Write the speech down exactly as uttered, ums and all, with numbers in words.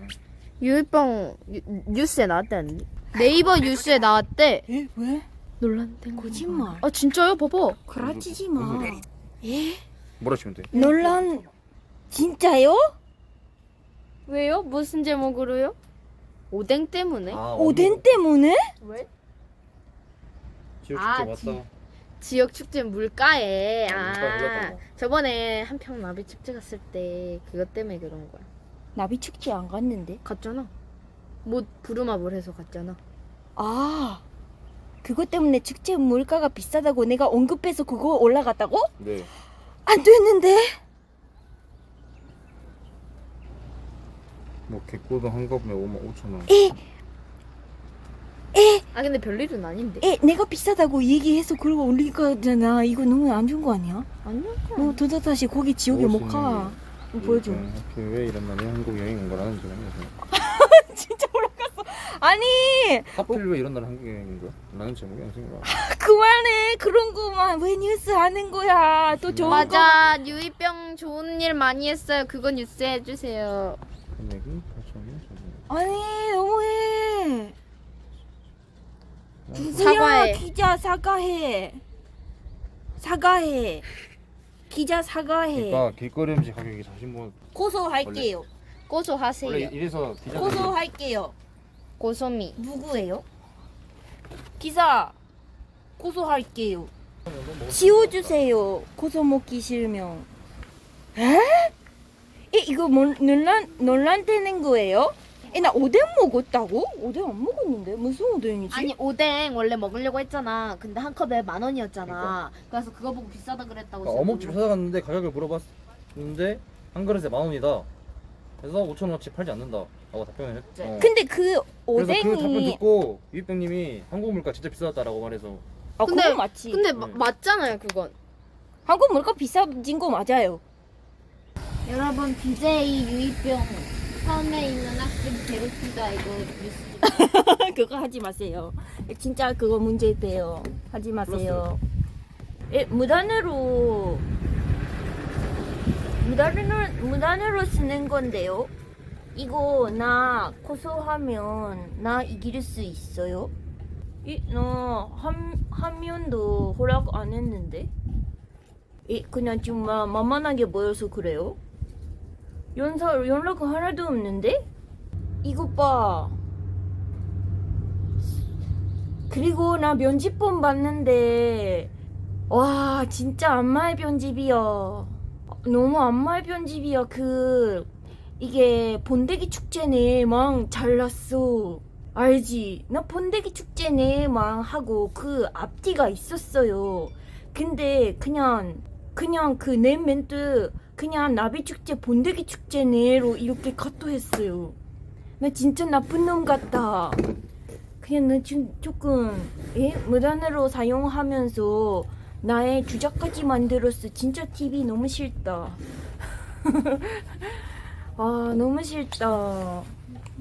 유이병 유- 뉴스에 나왔다는데. 네이버 뉴스에 나왔대. 에? 왜? 논란된 거. 거짓말. 아 진짜요? 봐봐. 그라치지 마. 예? 뭐라 치면 돼? 논란 진짜요? 왜요? 무슨 제목으로요? 오뎅 때문에? 아, 오뎅 때문에? 왜? 지역 아, 축제 지- 맞다. 지역 축제 물가에. 아, 물가에 불렀던 아, 거. 저번에 한평 나비 축제 갔을 때 그것 때문에 그런 거야. 나비 축제 안 갔는데. 갔잖아. 뭐 부루마블 해서 갔잖아. 아, 그것 때문에 축제 물가가 비싸다고 내가 언급해서 그거 올라갔다고? 네. 안 됐는데. 뭐 개꼬도 한 컵에 오만 오천 원. 에, 에, 아 근데 별일은 아닌데. 에, 내가 비싸다고 얘기해서 그러고 올린 거잖아. 이거 너무 안 좋은 거 아니야? 아니야. 너 도저 다시 거기 지옥에 못 가. 이거 보여줘. 하필 왜 이런 날에 한국 여행 온 거라는 줄 알면서. 진짜 올라갔어. 아니, 하필 왜 이런 날에 한국 여행 온 거야? 라는 제목이 안 생겨. 그만해. 그런 거만 왜 뉴스 하는 거야? 또 좋은 거. 맞아. 유이병 좋은 일 많이 했어요. 그거 뉴스 해주세요. 금액이 팔천 원. 아니, 너무해. 사과해. 누구야? 기자 사과해. 사과해. 기자 사과해. 그러니까 길거리 음식 가격이 사십 원. 고소할게요. 고소하세요. 원래 이래서 기자들이 고소할게요. 고소미. 누구예요? 기사 고소할게요. 지워주세요. 고소 먹기 싫으면. 에? 에 이거 뭐, 논란 논란 되는 거예요? 에 나 오뎅 먹었다고? 오뎅 안 먹었는데 무슨 오뎅이지? 아니 오뎅 원래 먹으려고 했잖아. 근데 한 컵에 만 원이었잖아. 그러니까. 그래서 그거 보고 비싸다 그랬다고. 그러니까 어묵집 찾아갔는데 가격을 물어봤는데 한 그릇에 만 원이다. 그래서 오천 원어치 팔지 않는다. 라고 답변을 했. 어. 근데 그 그래서 그 답변 오뎅이 듣고 유익병님이 한국 물가 진짜 비싸졌다라고 말해서 아 근데- 그거 맞지? 근데 네. 마- 맞잖아요 그건. 한국 물가 비싸진 거 맞아요. 여러분 비제이 유이병 섬에 있는 학생 괴롭히다 이거 뉴스. 그거 하지 마세요. 진짜 그거 문제 돼요. 하지 마세요. 예, 무단으로 무단으로 무단으로 쓰는 건데요. 이거 나 고소하면 나 이길 수 있어요? 이나한 한 면도 허락 안 했는데. 이 그냥 정말 만만하게 보여서 그래요? 연사 연락 하나도 없는데? 이것 봐. 그리고 나 면집본 봤는데 와 진짜 안마의 편집이야. 너무 안마의 편집이야. 그 이게 본대기 축제네 망 잘났어. 알지? 나 본대기 축제네 망 하고 그 앞뒤가 있었어요. 근데 그냥 그냥 그 내 멘트 그냥 나비 축제 본대기 축제네로 이렇게 카토했어요. 나 진짜 나쁜 놈 같다. 그냥 나 지금 조금 예? 무단으로 사용하면서 나의 주작까지 만들었어. 진짜 티비 너무 싫다. 아 너무 싫다.